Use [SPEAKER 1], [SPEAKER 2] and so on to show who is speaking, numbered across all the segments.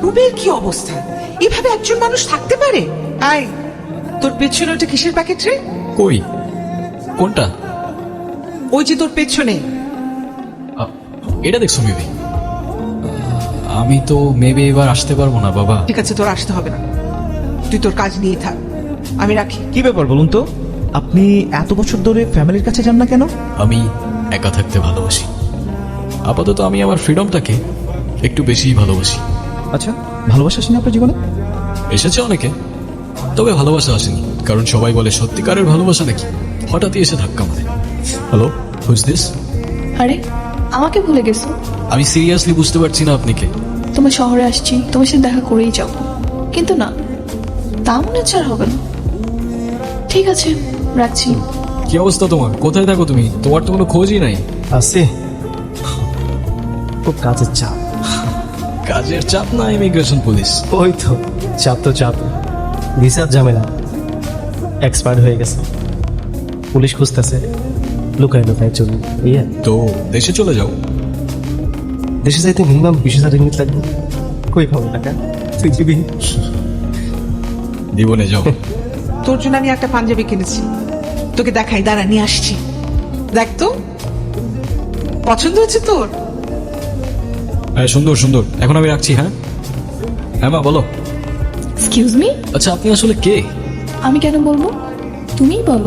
[SPEAKER 1] রুবের কি অবস্থা? এভাবে একজন মানুষ থাকতে পারে? আয়, তোর পেছনে ওটা কিসের প্যাকেট রে?
[SPEAKER 2] কই? কোনটা?
[SPEAKER 1] ওই যে তোর পেছনে।
[SPEAKER 2] এটা দেখছো মেবি? আমি তো মেবি এবার আসতে পারবো না বাবা।
[SPEAKER 1] ঠিক আছে, তোর আসতে হবে না, তুই তোর কাজ নিয়ে থাক, আমি রাখি।
[SPEAKER 3] কি ব্যাপার বলুন তো, আপনি এত বছর ধরে ফ্যামিলির কাছে যান না কেন?
[SPEAKER 2] আমি একা থাকতে ভালোবাসি। আপাতত আমি আমার ফ্রিডমটাকে একটু বেশিই ভালোবাসি।
[SPEAKER 3] আচ্ছা, ভালোবাসা আসেনি আপনার জীবনে?
[SPEAKER 2] এসেছে অনেকে, তবে ভালোবাসা আসেনি, কারণ সবাই বলে সত্যিকারের ভালোবাসা নাকি হঠাৎই এসে ধাক্কা মারে। Hello, who's this?
[SPEAKER 4] আরে আমাকে ভুলে গেছো?
[SPEAKER 2] আমি সিরিয়াসলি বুঝতে পারছি না আপনি কে।
[SPEAKER 4] তোমার শহরে আসছি, তোমার সাথে দেখা করেই যাব, কিন্তু না, তা মনে হচ্ছে আর হবে না। ঠিক আছে, রাখছি।
[SPEAKER 2] কি অবস্থা তোমার? কোথায় থাকো তুমি? তোমার তো কোনো খোঁজই নাই।
[SPEAKER 3] আছে, খুব কাজের চাপ।
[SPEAKER 2] কাজের চাপ না ইমিগ্রেশন পুলিশ?
[SPEAKER 3] ওই তো, চাপ তো চাপ, ভিসার ঝামেলা, এক্সপায়ার হয়ে গেছে, পুলিশ খুঁজতেছে, লুকায় লুকায় চলুন। ইয়ে,
[SPEAKER 2] তো দেশে চলে যাও।
[SPEAKER 3] দেশে যাইতে মিনিমাম 20,000 রিঙ্গিত লাগবে। কই পাবো টাকা? তুই দিবি?
[SPEAKER 2] জীবনে যাও।
[SPEAKER 1] তোর জন্য আমি একটা পাঞ্জাবি কিনেছি, তোকে দেখাই, দাঁড়া নিয়ে আসছি। দেখ তো, পছন্দ হয়েছে তোর?
[SPEAKER 2] হ্যাঁ, সুন্দর সুন্দর। এখন আমি রাখছি। হ্যাঁ হ্যাঁ মা, বলো।
[SPEAKER 4] এক্সকিউজ মি,
[SPEAKER 2] আচ্ছা, আপনি আসলে কে?
[SPEAKER 4] আমি কেন বলবো, তুমিই বলো।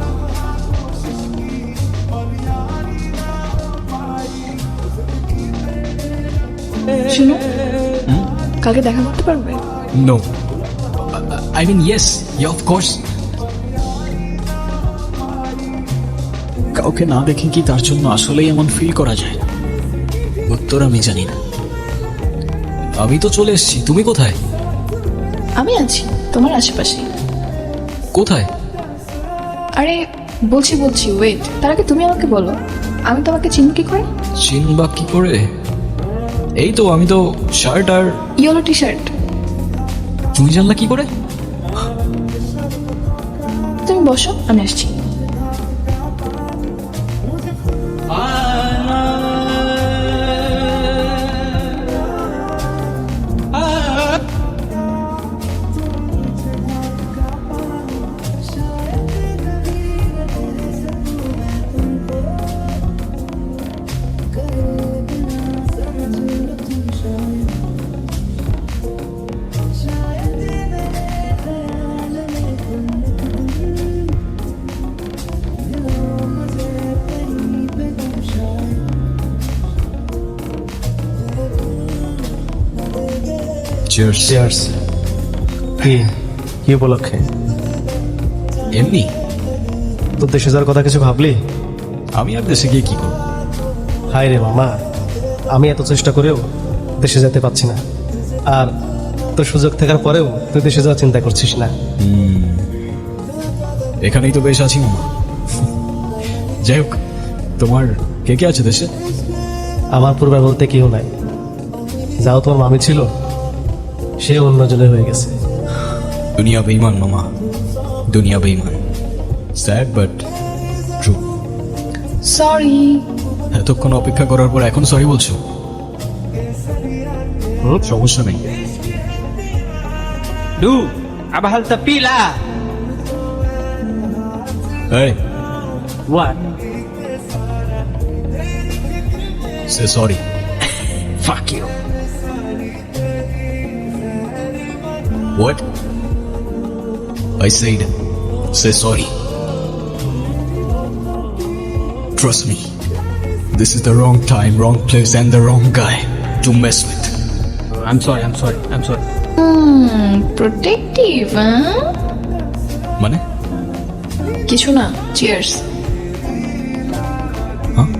[SPEAKER 4] শুনো, কালকে দেখা করতে পারবে?
[SPEAKER 2] No, I mean yes, of course. কাউকে না দেখে কি তার জন্য আসলেই এমন ফিল করা যায়? উত্তর আমি জানি না। আমি তো চলে এসেছি, তুমি কোথায়?
[SPEAKER 4] আমি আছি তোমার আশেপাশে।
[SPEAKER 2] কোথায়?
[SPEAKER 4] আরে বলছি বলছি, ওয়েট, তার আগে তুমি আমাকে বলো, আমি তোমাকে চিনি কি করে?
[SPEAKER 2] চিনবা কি করে? এই তো, আমি তো শার্ট আর।
[SPEAKER 4] Yellow T shirt.
[SPEAKER 2] তুমি জানলা কি করে?
[SPEAKER 4] তুমি বসো, আমি আসছি।
[SPEAKER 2] চিয়ার্স।
[SPEAKER 3] চেয়ার্স। কি কি উপলক্ষে?
[SPEAKER 2] এমনি।
[SPEAKER 3] তোর দেশে যাওয়ার কথা কিছু ভাবলি?
[SPEAKER 2] আমি আর দেশে গিয়ে কি করব?
[SPEAKER 3] হায় রে মামা, আমি এত চেষ্টা করেও দেশে যেতে পারছি না, আর তোর সুযোগ থাকার পরেও তুই দেশে যাওয়ার চিন্তা করছিস না।
[SPEAKER 2] এখানেই তো বেশ আছি মামা। যাই হোক, তোমার কে কে আছে দেশে?
[SPEAKER 3] আমার পরিবার বলতে কেউ নাই। যাও তোমার মামি ছিল, সে অন্যজনের হয়ে গেছে।
[SPEAKER 2] দুনিয়া বেঈমান মামা, দুনিয়া বেঈমান। Sad but true.
[SPEAKER 4] সরি।
[SPEAKER 2] এতক্ষণ অপেক্ষা করার পর এখন সরি বলছো? সমস্যা নেই।
[SPEAKER 5] Du, aber halt der Pila.
[SPEAKER 2] এই,
[SPEAKER 5] What?
[SPEAKER 2] সে sorry.
[SPEAKER 5] Fuck you.
[SPEAKER 2] What? I said, say sorry. Trust me, this is the wrong time, wrong place, and the wrong guy to mess with.
[SPEAKER 5] I'm sorry, I'm sorry, I'm sorry.
[SPEAKER 4] Protective, হ্যাঁ?
[SPEAKER 2] মানে?
[SPEAKER 4] কিছু না, cheers.
[SPEAKER 2] হ্যাঁ?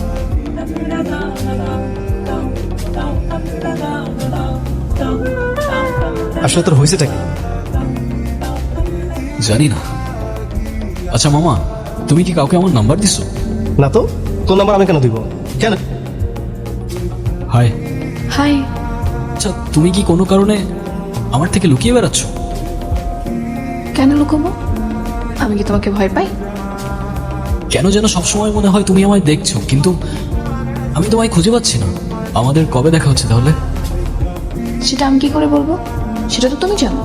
[SPEAKER 3] আসলে তোর হয়েছেটা কি?
[SPEAKER 2] জানি না। আচ্ছা মামা, তুমি কি কাউকে আমার নাম্বার দিছো?
[SPEAKER 3] না তো, তোর নাম্বার আমি কেন দিব? কেন?
[SPEAKER 2] হাই।
[SPEAKER 4] হাই।
[SPEAKER 2] আচ্ছা, তুমি কি কোনো কারণে আমার থেকে লুকিয়ে বেড়াচ্ছ?
[SPEAKER 4] কেন লুকোবো? আমি কি তোমাকে ভয় পাই?
[SPEAKER 2] কেন যেন সবসময় মনে হয় তুমি আমায় দেখছো, কিন্তু আমি তোমায় খুঁজে পাচ্ছি না। আমাদের কবে দেখা হচ্ছে তাহলে?
[SPEAKER 4] সেটা আমি কি করে বলবো? সেটা তো তুমি জানো।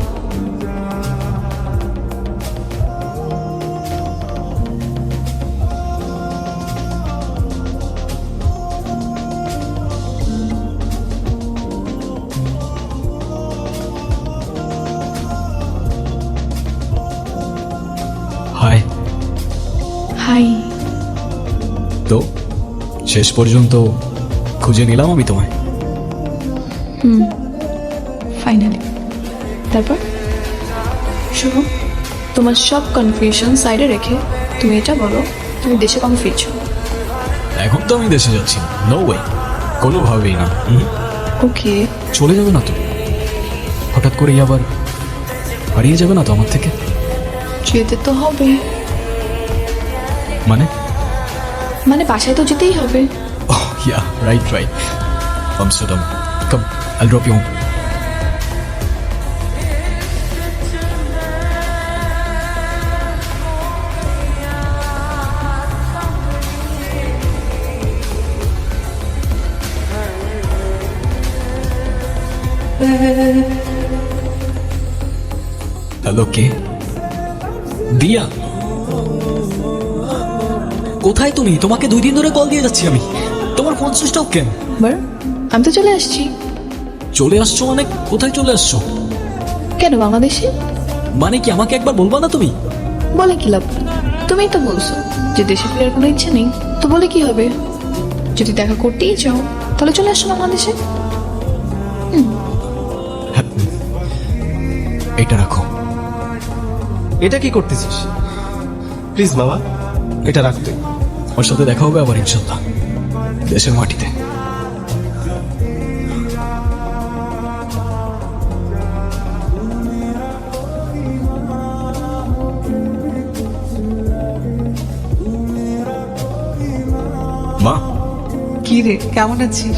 [SPEAKER 2] হাই।
[SPEAKER 4] হাই।
[SPEAKER 2] তো শেষ পর্যন্ত খুঁজে নিলাম আমি তোমায়।
[SPEAKER 4] ফাইনালি। তারপর শুনো, তোমার সব কনফিউশন সাইডে রেখে তুমি এটা বলো, তুমি দেশে কবে ফিরছো?
[SPEAKER 2] এখন তো আমি দেশে যাচ্ছি, নো ওয়ে, কোনোভাবেই না।
[SPEAKER 4] ওকে।
[SPEAKER 2] চলে যাবে না তো? হঠাৎ করেই আবার হারিয়ে যাবে না তো আমার থেকে?
[SPEAKER 4] যেতে তো হবে।
[SPEAKER 2] মানে
[SPEAKER 4] বাসায় তো যেতেই হবে।
[SPEAKER 2] Oh, yeah, right. Amsterdam. Come, I'll drop you home. Hello, কে? দিয়া, কোথায় তুমি? তোমাকে 2 দিন ধরে কল দিয়ে যাচ্ছি আমি, তোমার ফোন সুইচ অফ কেন?
[SPEAKER 4] আমি তো চলে আসছি।
[SPEAKER 2] চলে আসছো মানে? কোথায় চলে আসছো?
[SPEAKER 4] কেন, বাংলাদেশে?
[SPEAKER 2] মানে কি, আমাকে একবার বলবা না তুমি?
[SPEAKER 4] বলে কি লাভ? তুমিই তো বলছো যে দেশে ফেরার কোনো ইচ্ছে নেই, তো বলে কি হবে? যদি দেখা করতেই চাও তাহলে চলে আসো বাংলাদেশে।
[SPEAKER 2] এটা রাখো।
[SPEAKER 3] এটা কি করতেছিস? প্লিজ বাবা, এটা রাখতে।
[SPEAKER 2] ওর সাথে দেখা হবে আবার ইনশাল্লাহ, দেশের মাটিতে। মা,
[SPEAKER 1] কি রে, কেমন আছিস?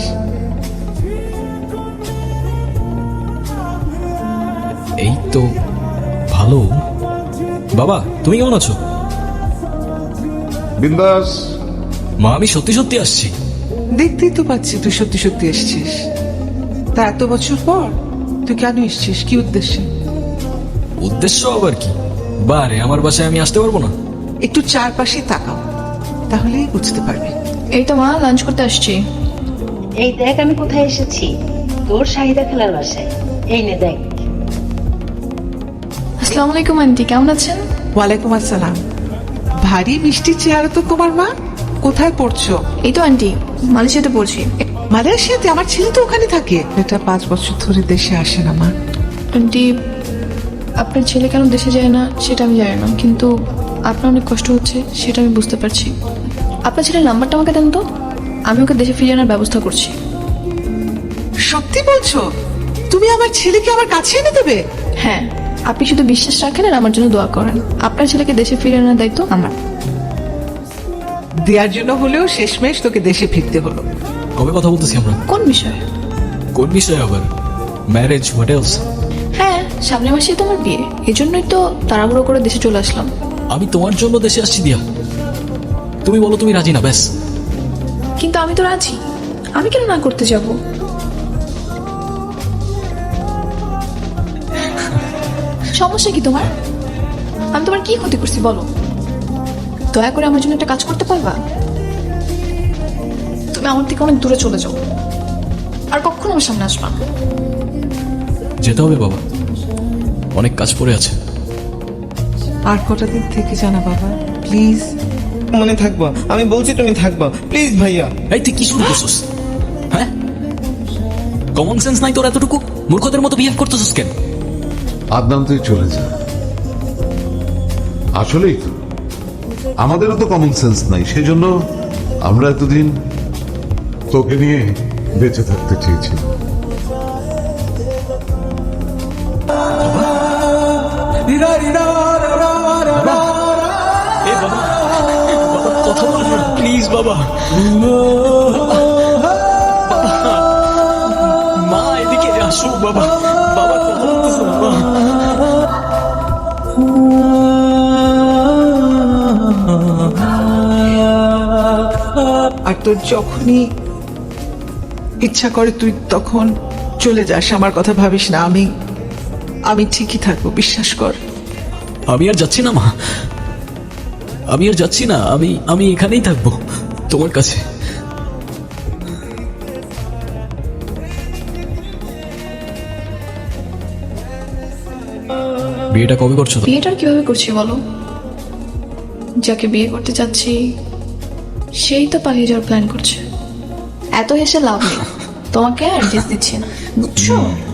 [SPEAKER 2] এই তো ভালো। বাবা, তুমি কেমন আছো?
[SPEAKER 6] বিন্দাস।
[SPEAKER 2] মা, আমি সত্যি সত্যি আসছি।
[SPEAKER 1] দেখতেই তো পাচ্ছি তুই সত্যি সত্যি এসছিস। তা এত বছর পর তুই কেন এসছিস? কি উদ্দেশ্যে?
[SPEAKER 2] উদ্দেশ্য আবার কি? বারে, আমার বাসায় আমি আসতে পারবো না?
[SPEAKER 1] একটু চারপাশে তাকাও, তাহলেই বুঝতে পারবি।
[SPEAKER 4] এই তো মা, লাঞ্চ করতে আসছি।
[SPEAKER 7] এই দেখ আমি কোথায় এসেছি, তোর শাহিদা খেলার বাসায়। এই নে দেখ।
[SPEAKER 4] আসসালামু আলাইকুম আন্টি, কেমন আছেন?
[SPEAKER 1] ওয়ালাইকুম আসসালাম। ভারী মিষ্টি চেহারা তো তোমার মা। কোথায় পড়ছো?
[SPEAKER 4] এই তো আন্টি, মালয়েশিয়াতে পড়ছি।
[SPEAKER 1] মালয়েশিয়াতে? আমার ছেলে তো ওখানে থাকে। এটা 5 বছর ধরে দেশে আসে না মা।
[SPEAKER 4] আন্টি, আপনার ছেলে কেন দেশে যায় না সেটা আমি জানি না, কিন্তু আপনার অনেক কষ্ট হচ্ছে সেটা আমি বুঝতে পারছি। আপনার ছেলের নাম্বারটা আমাকে দেন তো, আমি ওকে দেশে ফিরিয়ে আনার ব্যবস্থা করছি।
[SPEAKER 1] সত্যি বলছো? তুমি আমার ছেলেকে আমার কাছে এনে দেবে?
[SPEAKER 4] হ্যাঁ, আপনি শুধু বিশ্বাস রাখেন আর আমার জন্য দোয়া করেন। আপনার ছেলেকে দেশে ফিরিয়ে আনার দায়িত্ব আমার।
[SPEAKER 1] দেওয়ার জন্য হলেও শেষমেশ তোকে দেশে ফিরতে হলো।
[SPEAKER 2] কবে কথা বলতেছি আমরা?
[SPEAKER 4] কোন বিষয়ে?
[SPEAKER 2] কোন বিষয়ে আবার? Marriage, what else?
[SPEAKER 4] হ্যাঁ, সামনের মাসেই তো আমার বিয়ে, এজন্যই তো তাড়াহুড়ো করে দেশে চলে আসলাম।
[SPEAKER 2] আমি তোমার জন্য দেশে আসছি দিয়া। তুমি বলো তুমি রাজি না, ব্যাস।
[SPEAKER 4] কিন্তু আমি তো রাজি, আমি কেন না করতে যাব? সমস্যা কি তোমার? আমি তোমার কি ক্ষতি করছি বলো? দয়া করে আমার জন্য একটা কাজ করতে পারবা? তুমি আমার থেকে অনেক দূরে চলে যাও, আর কখনো আমার সামনে আসবা না।
[SPEAKER 2] যেতে হবে বাবা, অনেক কাজ পড়ে আছে।
[SPEAKER 1] আর কটা দিন থেকে জানা বাবা, প্লিজ।
[SPEAKER 8] মনে থাকবা, আমি বলছি তুমি থাকবা, প্লিজ ভাইয়া।
[SPEAKER 2] এই তুই কি শুরু করছিস? হ্যাঁ, কমন সেন্স নাই তোর এতটুকু? মূর্খদের মতো বিহেভ করতেছিস কেন?
[SPEAKER 6] আদনান, তুই চলে যা। আসলেই তো আমাদেরও তো কমন সেন্স নাই, সেজন্য আমরা এতদিন তোকে নিয়ে বেঁচে থাকতে চেয়েছি।
[SPEAKER 2] কথা বল প্লিজ বাবা। মা, এদিকে আসো বাবা। বাবা কথা বলতেছে না মা।
[SPEAKER 1] আর তোর যখনই ইচ্ছা করে তুই তখন চলে যাস, আমার কথা ভাবিস না। আমি ঠিকই থাকবো, বিশ্বাস কর।
[SPEAKER 2] আমি আর যাচ্ছি না মা, আমি আর যাচ্ছি না। আমি এখানেই থাকবো তোমার কাছে। বিয়েটা কবে করছো তো?
[SPEAKER 4] বিয়েটা আর কিভাবে করছি বলো? যাকে বিয়ে করতে চাচ্ছি সেই তো পালিয়ে যাওয়ার প্ল্যান করছে। এত হেসে লাভ নেই, তোমাকে অ্যাড্রেস দিচ্ছি না, বুঝছো?